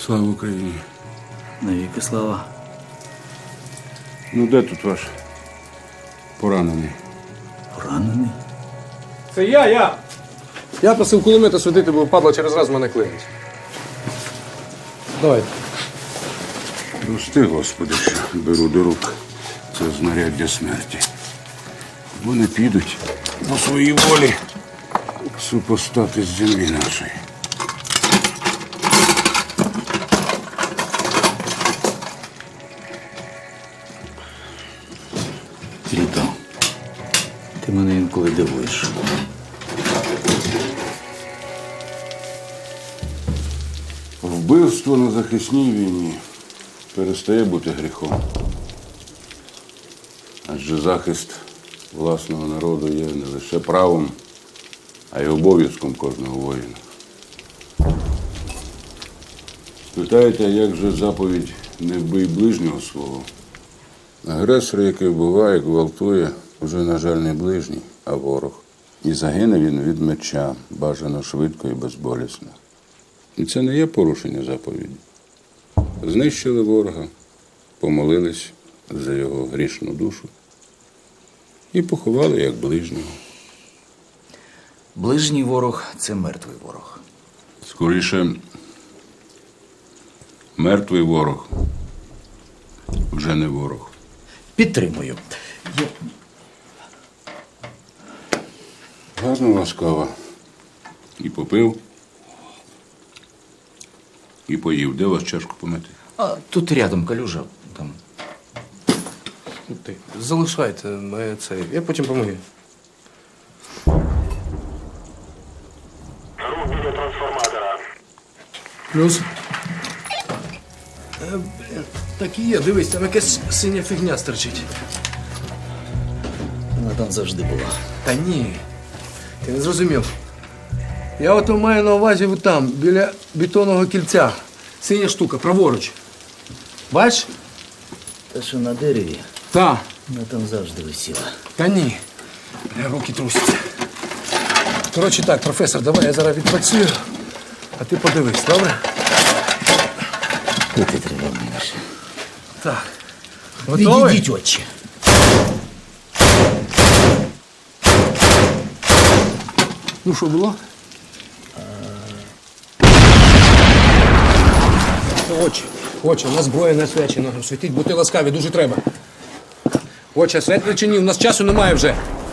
Слава Україні! Навіки слава. Ну де тут ваш поранений? Поранений? Це я! Я просив кулемета світити, бо падла через раз мене клинить. Давайте. Прости, Господи, що беру до рук це знаряддя смерті. Вони підуть по своїй волі супостати з землі нашої. Літо, ти мене інколи дивуєш. Вбивство на захисній війні перестає бути гріхом. Адже захист власного народу є не лише правом, а й обов'язком кожного воїна. Спитаєте, як же заповідь «Не вбий ближнього свого»? Агресор, який вбиває, гвалтує, вже, на жаль, не ближній, а ворог. І загине він від меча, бажано швидко і безболісно. І це не є порушення заповіді. Знищили ворога, помолились за його грішну душу і поховали як ближнього. Ближній ворог – це мертвий ворог. Скоріше, мертвий ворог вже не ворог. Підтримую. Гарно у вас кава. І попив, і поїв. Де у вас чашку помити? А тут рядом калюжа. Там. Ти залишайте мене це. Я потім помию. Рух біля трансформатора. Плюс. Так і є, дивись, там якась синя фігня стерчить. Вона там завжди була. Та ні. Ти не зрозумів. Я ото маю на увазі там, біля бетонного кільця. Синя штука, праворуч. Бачиш? Та що на дереві, Та. вона там завжди висіла. Та ні. Руки трусяться. Коротше так, професор, давай я зараз відпрацюю, а ти подивись, добре? Пити треба менше. Так. Готовий? Відійдіть, отче. Ну що було? Очі, у нас зброя не освячена. Світіть, будьте ласкаві, дуже треба. Очі, освятли чи ні? У нас часу немає вже.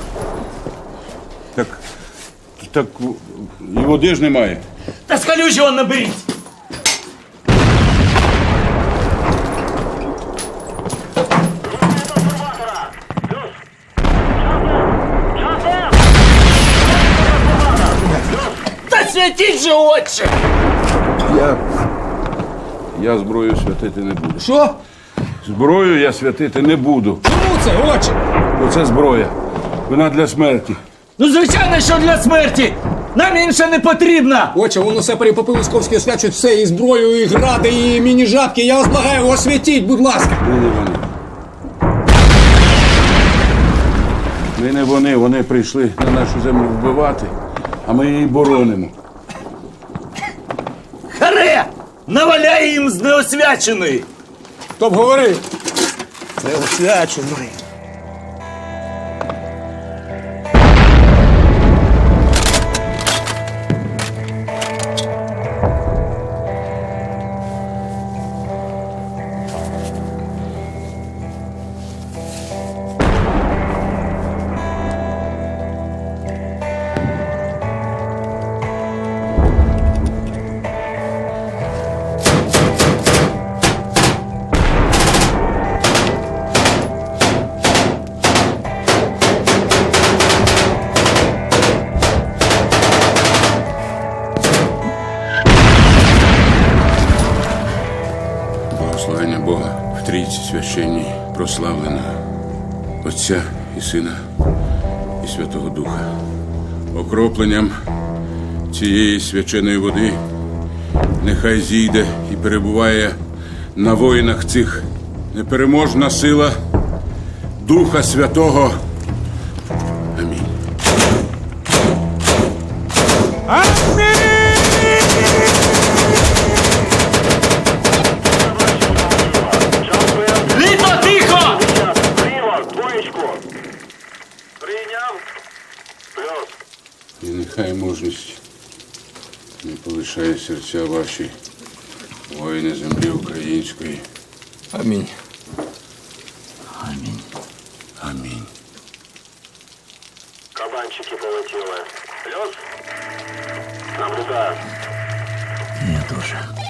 Так і води ж немає. Та з калюжі он наберіть! Трансформатора. Плюс. Часом! Та святіть же, отче! Я зброю святити не буду. Що? Зброю я святити не буду. Чому це, очі? Бо це зброя. Вона для смерті. Ну, звичайно, що для смерті! Нам інша не потрібна! Очі, воно все перепопив Московський освячують все, і зброю, і гради, і міні-жабки. Я вас благаю, освятіть, будь ласка. Ми не вони. Ми не вони. Вони прийшли на нашу землю вбивати, а ми її боронимо. Харе! Наваляй їм з неосвяченої! Хто б говорив? Це освячений. Благословення Бога в Трійці священній прославлена Отця і Сина і Святого Духа. Окропленням цієї свяченої води нехай зійде і перебуває на воїнах цих непереможна сила Духа Святого. Амінь. Прийняв. Плюс. І нехай мужність не полишає серця ваші воїни землі української. Амінь. Амінь. Амінь. Кабанчики полетіли. Плюс. Наблюдаю. Я дуже.